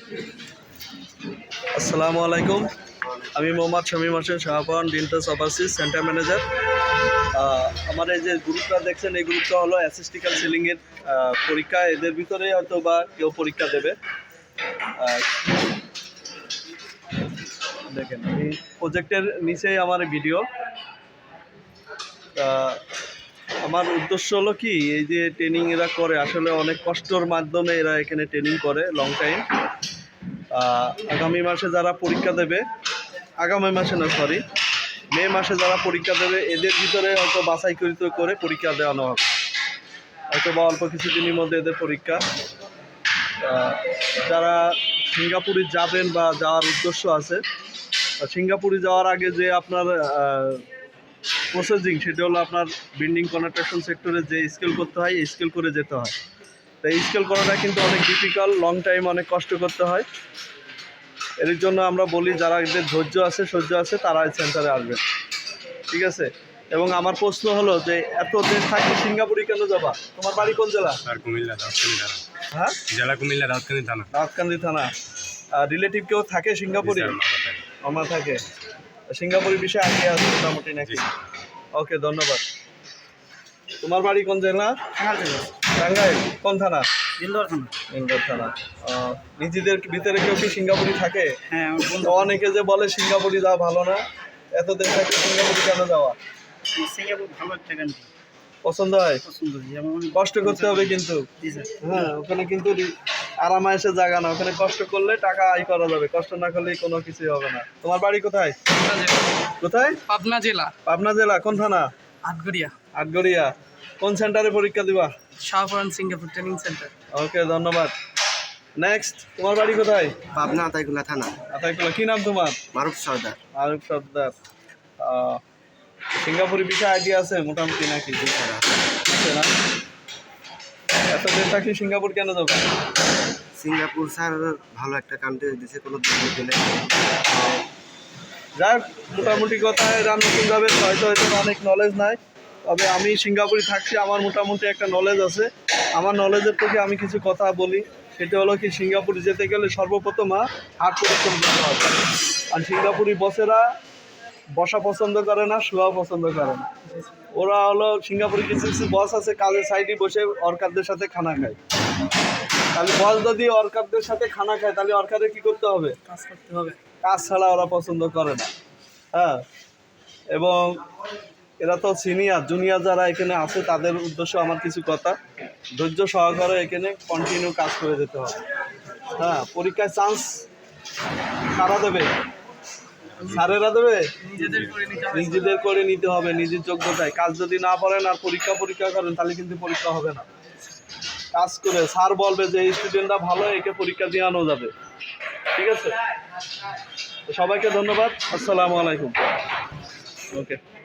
আসসালামু আলাইকুম। আমি মোহাম্মদ শামীম হোসেন শাহপান ডিন্টাস ওভারসিজ সেন্টার ম্যানেজার। আমার এই যে গ্রুপটা দেখছেন, এই গ্রুপটা হলো অ্যাসিস্টিক্যাল সিলিংয়ের পরীক্ষা। এদের ভিতরে হয়তো বা কেউ পরীক্ষা দেবে। দেখেন, এই প্রজেক্টের নিচেই আমার ভিডিও। আমার উদ্দেশ্য হলো কি, এই যে ট্রেনিং এরা করে আসলে অনেক কষ্টর মাধ্যমে এরা এখানে ট্রেনিং করে লং টাইম। আগামী মাসে যারা পরীক্ষা দেবে, আগামী মাসে না সরি মে মাসে যারা পরীক্ষা দেবে, এদের ভিতরে হয়তো বাছাইকৃত করে পরীক্ষা দেওয়ানো হবে। হয়তো বা অল্প কিছুদিনের মধ্যে এদের পরীক্ষা। যারা সিঙ্গাপুরে যাবেন বা যাওয়ার উদ্দেশ্য আছে, সিঙ্গাপুরে যাওয়ার আগে যে আপনার প্রসেসিং, সেটা হলো আপনার বিল্ডিং কনস্ট্রাকশন সেক্টরে যে স্কেল করতে হয়, এই স্কেল করে যেতে হয়। তো এই স্কেল করাটা কিন্তু অনেক ডিফিকাল্ট, লং টাইম অনেক কষ্ট করতে হয়। এর জন্য আমরা বলি যারা এদের ধৈর্য আছে, সহ্য আছে, তারা এই সেন্টারে আসবে, ঠিক আছে? এবং আমার প্রশ্ন হলো যে এত দিন থাকি সিঙ্গাপুরে কেন যাবা? তোমার বাড়ি কোন জেলা? কুমিল্লা দাউদকান্দি থানা। হ্যাঁ, জেলা কুমিল্লা দাউদকান্দি থানা। দাউদকান্দি থানা। রিলেটিভ কেউ থাকে সিঙ্গাপুরে? আমার থাকে। সিঙ্গাপুরের বিষয়ে আগে আছে মোটামুটি নাকি? ওকে, ধন্যবাদ। তোমার বাড়ি কোন জেলা? টাঙ্গাইল। কোন থানা? ইন্দোর থানা। ইন্দোর থানা। নিজেদের ভিতরে কেউ কি সিঙ্গাপুরে থাকে? হ্যাঁ, অনেকে যে বলে সিঙ্গাপুরে যাওয়া ভালো না, এতদিন থাকে সিঙ্গাপুরে কেন যাওয়া? সিঙ্গাপুর ভালো একটা কান্ট্রি, পছন্দ হয়? পছন্দ। যেমন কষ্ট করতে হবে কিন্তু। হ্যাঁ, ওখানে কিন্তু আরামায়েশে জায়গা না, ওখানে কষ্ট করলে টাকা আয় করা যাবে, কষ্ট না করলে কোনো কিছুই হবে না। তোমার বাড়ি কোথায়? কোথায়? পাবনা জেলা, পাবনা জেলা। কোন থানা? আটগড়িয়া। আটগড়িয়া। কোন সেন্টারে পরীক্ষা দিবা? Shahporan Singapore training centre. Okay, ধন্যবাদ। নেক্সট, তোমার বাড়ি কোথায়? পাবনা আতাইকুলা থানা। আতাইকুলা। কি নাম তোমার? মারুফ সর্দার। মারুফ সর্দার। সিঙ্গাপুরের বিষয়ে আইডিয়া আছে মোটামুটি নাকি? আছে না? এতদিন থাকি সিঙ্গাপুর কেন যাবে? সিঙ্গাপুর স্যার ভালো একটা কান্ট্রি, দেশে কোনো দুর্নীতি পেলে। যাক, মোটামুটি কথায় এরা নতুন যাবে, হয়তো এদের অনেক নলেজ নাই, তবে আমি সিঙ্গাপুরে থাকছি, আমার মোটামুটি একটা নলেজ আছে। আমার নলেজের থেকে আমি কিছু কথা বলি। সেটা হলো কি, সিঙ্গাপুরে যেতে গেলে সর্বপ্রথম হার্ড পরিশ্রম করতে হবে। আর সিঙ্গাপুরি বসেরা বসা পছন্দ করে না, শোয়া পছন্দ করে না। ওরা হলো সিঙ্গাপুরে কিছু কিছু বস আছে, কাজের সাইডে বসে অর্কারদের সাথে খানা খায়। তাহলে বস যদি অর্কারদের সাথে খানা খায়, তাহলে অর্কারের কী করতে হবে? কাজ করতে হবে। কাজ ছাড়া ওরা পছন্দ করে না। হ্যাঁ, এবং এরা তো সিনিয়র, জুনিয়র যারা এখানে আছে তাদের উদ্দেশ্য আমার কিছু কথা। ধৈর্য সহকারে এখানে কন্টিনিউ কাজ করে যেতে হবে। হ্যাঁ, পরীক্ষায় চান্স কারা দেবে? স্যারেরা দেবে? নিজেদের করে নিতে হবে, নিজের যোগ্যতায়। কাজ যদি না পারেন আর পরীক্ষা করেন, তাহলে কিন্তু পরীক্ষা হবে না। কাজ করে স্যার বলবে যে এই স্টুডেন্টরা ভালো, একে পরীক্ষা দিয়ে আনো যাবে, ঠিক আছে? সবাইকে ধন্যবাদ। আসসালামু আলাইকুম। ওকে।